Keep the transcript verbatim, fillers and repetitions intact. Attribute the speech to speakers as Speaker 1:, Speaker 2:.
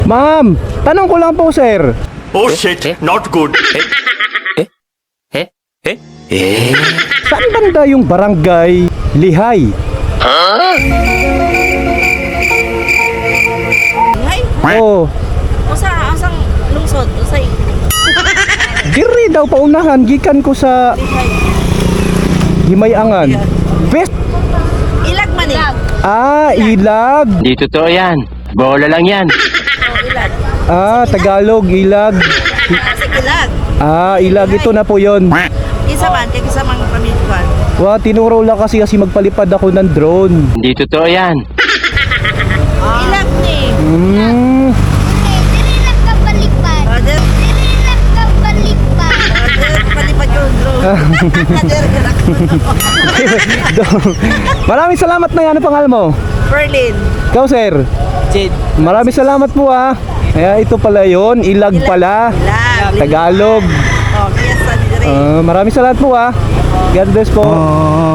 Speaker 1: Ma'am, tanong ko lang po, sir.
Speaker 2: Oh shit, not good.
Speaker 3: Eh? Eh? Eh?
Speaker 1: Saan banda yung barangay Lihay?
Speaker 4: Hay,
Speaker 1: Oh,
Speaker 4: usa asang lungsod, usay
Speaker 1: diri daw paunahan gikan ko sa
Speaker 4: lihay.
Speaker 1: Himayangan. Best.
Speaker 4: Ilag man eh.
Speaker 1: Ah, Ilag.
Speaker 3: Di totoo yan. Bola lang yan.
Speaker 4: Oh, ilag.
Speaker 1: Ah, Tagalog, Ilag.
Speaker 4: Kasi ilag.
Speaker 1: Ah, Ilag ito na po yon.
Speaker 4: Isa man, kay isa mang pamilya.
Speaker 1: Wa, tinuro lang kasi kasi magpalipad ako ng drone.
Speaker 3: Di totoo yan.
Speaker 4: Ilag ni.
Speaker 1: Hmm.
Speaker 5: Dili lang ka baliktad.
Speaker 4: Other,
Speaker 5: Dili lang ka baliktad.
Speaker 4: other, palipad yung drone. Other, galak.
Speaker 1: Maraming salamat na yan. Ano pangalan mo?
Speaker 4: Berlin.
Speaker 1: Ikaw, sir.
Speaker 3: Jade.
Speaker 1: Maraming salamat po ah. Kaya ito pala yon, Ilag pala.
Speaker 4: Ilag.
Speaker 1: Tagalog.
Speaker 4: Oh, kaya sa dire.
Speaker 1: Ah, maraming salamat po ah. God bless po.